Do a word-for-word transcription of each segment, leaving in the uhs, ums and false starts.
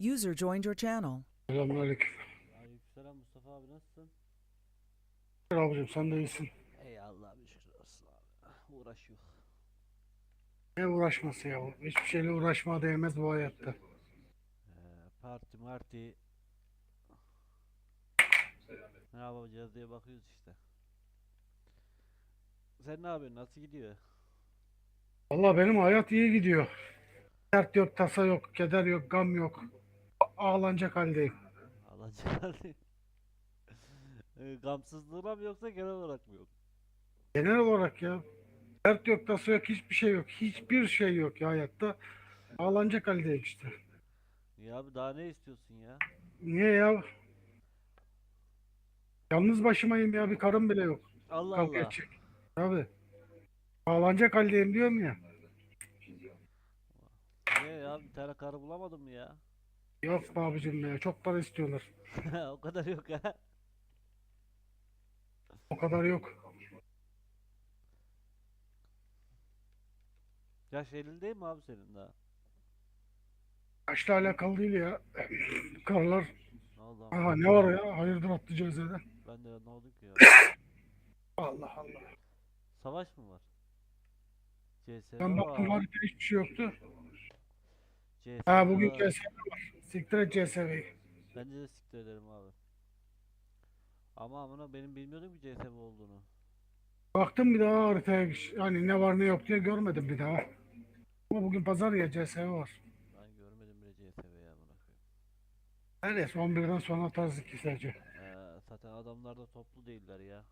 User joined your channel. Selamünaleyküm. Aleykümselam Mustafa abi, nasılsın? Abicim sen de iyisin. Ey Allah bir şükür olsun abi. Uğraşıyor. Ne uğraşması ya? Hiçbir şeyle uğraşmaya değmez bu hayatta. Ee, parti marti ne yapacağız diye bakıyoruz işte. Sen ne yapıyorsun? Nasıl gidiyor? Vallahi benim hayat iyi gidiyor. Dert yok, tasa yok, keder yok, gam yok. Ağlanacak haldeyim. Alacağım. Ee, Gamsızlığına mı yoksa genel olarak mı yok? Genel olarak ya. Dert yok, tasa yok, hiçbir şey yok. Hiçbir şey yok ya hayatta. Ağlanacak haldeyim işte. Ya abi daha ne istiyorsun ya? Niye ya? Yalnız başımayım ya. Bir karım bile yok. Allah Kavga Allah. edecek. Tabii. Ağlanacak haldeyim diyorum ya. Niye ya, bir tane karı bulamadın mı ya? Yok be abicim ya. Çok para istiyorlar. O kadar yok ha. O kadar yok. Yaş elli değil mi abi senin daha? Yaşla alakalı değil ya. Karılar. Ne oldu Aha ama? ne var ya? Hayırdır attı cezede. Ben de ne oldu ki ya? Allah Allah. Savaş mı var? Ben C S baktım var. harita hiçbir şey yoktu. C S Ha bugün var. C S var. Siktir et C S V'yi. Bence de siktir ederim abi. Ama amına benim bilmiyordum ki C S M olduğunu. Baktım bir daha haritaya. Yani ne var ne yok diye görmedim bir daha. Ama bugün pazar ya C S V var. Ben görmedim bile C S M'yi amına koyayım. Her neyse on birden sonra atarız iki sadece. Ee, zaten adamlar da toplu değiller ya.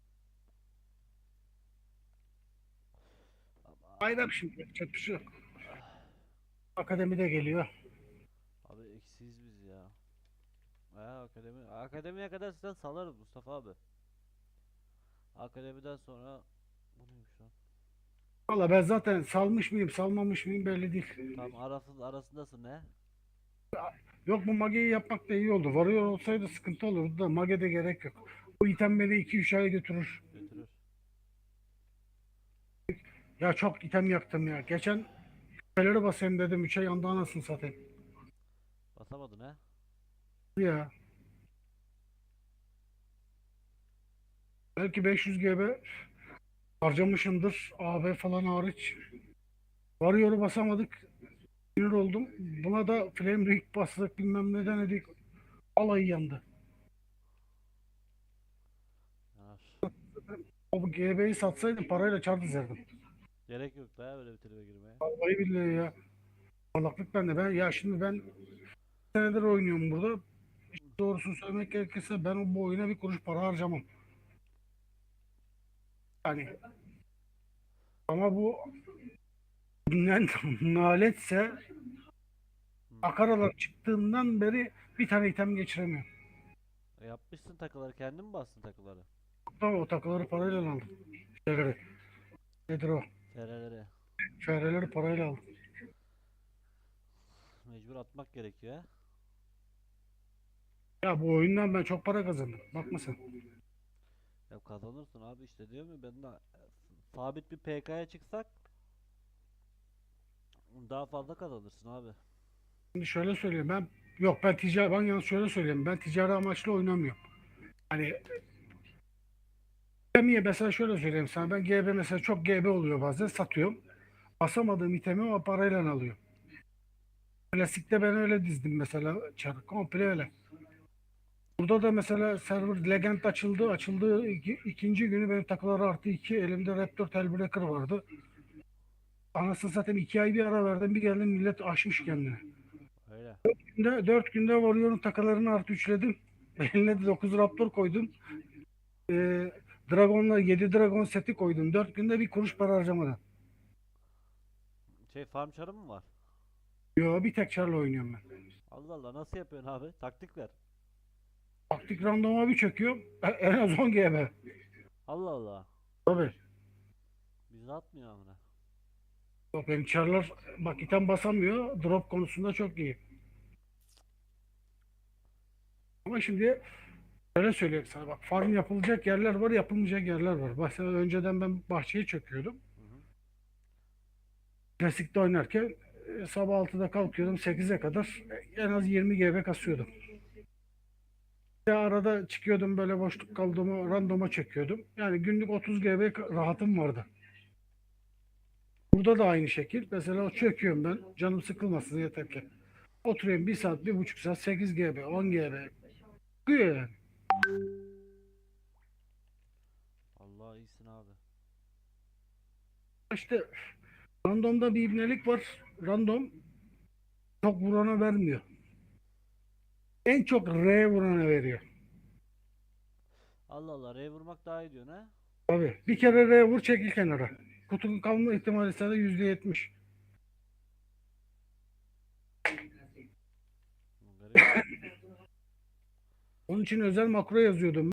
Ama Bayram şimdi yapacak bir şey yok. Akademide geliyor. abi eksiyiz biz ya. Ha, akademi akademiye kadar sizden salarız Mustafa abi. Akademiden sonra bu neymiş lan? Valla ben zaten salmış mıyım salmamış mıyım belli değil. Tam arasında arasındasın ne? Yok bu mageyi yapmak da iyi oldu. Varıyor olsaydı sıkıntı olurdu da magede gerek yok. Bu item beni iki üç ay götürür. Götürür. Ya çok item yaktım ya. Geçen küpeleri basayım dedim. üç ay yandı anasını satayım. Basamadın ha? Ya belki beş yüz G B harcamışımdır. A B falan hariç. Varıyor'u basamadık. Sinir oldum. Buna da Flame Ring bastık bilmem ne denedik. Alayı yandı. Yanar. O G B'yi satsaydım parayla çar dizerdim. Gerek yok da öyle bir tribe girmeye. Vallahi billahi ya. Parlaklık bende. Ben, ya şimdi ben senedir oynuyorum burada. Doğrusunu söylemek gerekirse ben o bu oyuna bir kuruş para harcamam. Yani ama bu ne- naletse Hı. Akaralar çıktığından beri bir tane item geçiremiyorum. E, yapmışsın takıları, kendin mi bastın takıları? Tamam o takıları parayla aldım. Şeyleri, nedir o? F R'lere. F R'leri parayla aldım. Mecbur atmak gerekiyor ha. Ya bu oyundan ben çok para kazandım. Bakma sen. Ya kazanırsın abi, işte diyor mu, ben de sabit bir P K'ya çıksak daha fazla kazanırsın abi. Şimdi şöyle söyleyeyim ben yok ben ticari ben yalnız şöyle söyleyeyim ben ticari amaçlı oynamıyorum. Hani itemiye mesela şöyle söyleyeyim sana ben G B mesela çok G B oluyor bazen satıyorum. Basamadığım itemi o parayla alıyorum. Klasikte ben öyle dizdim mesela çarı komple öyle. Burada da mesela server Legend açıldı. Açıldığı iki, ikinci günü benim takılar artı iki elimde Raptor Tailbreaker vardı. Anasını satayım iki ay bir ara verdim bir geldim millet aşmış kendini. Öyle. Günde, dört günde Warrior'un takılarını artı üçledim. Eline de dokuz Raptor koydum. Ee, Dragon'la yedi Dragon seti koydum. Dört günde bir kuruş para harcamadan. Şey, farm çarı mı var? Yo bir tek çarla oynuyorum ben. Allah Allah, nasıl yapıyorsun abi? Taktik ver. Taktik randoma bir çöküyor. e- En az on G B. Allah Allah. Tabii. Bizi atmıyor amına. Yok benim çarlar bak item basamıyor. Drop konusunda çok iyi. Ama şimdi öyle söyleyeyim sana bak farm yapılacak yerler var yapılmayacak yerler var. Mesela önceden ben bahçeyi çöküyordum. Hı hı. Klasikte oynarken e, sabah altıda kalkıyordum sekize kadar e, en az yirmi G B kasıyordum. Bir arada çıkıyordum böyle boşluk kaldığımı randoma çekiyordum. Yani günlük otuz G B ka- rahatım vardı. Burada da aynı şekil. Mesela çöküyorum ben. Canım sıkılmasın yeter ki. Oturuyorum bir saat, bir buçuk saat sekiz G B, on G B. Çıkıyor yani. Allah iyisin abi. İşte randomda bir ibnelik var. Random çok vurana vermiyor. En çok R vurana veriyor. Allah Allah, R vurmak daha iyi diyorsun ha? Tabii. Bir kere R vur çekil kenara. Kutunun kalma ihtimali sana yüzde yetmiş. Garip. Onun için özel makro yazıyordum.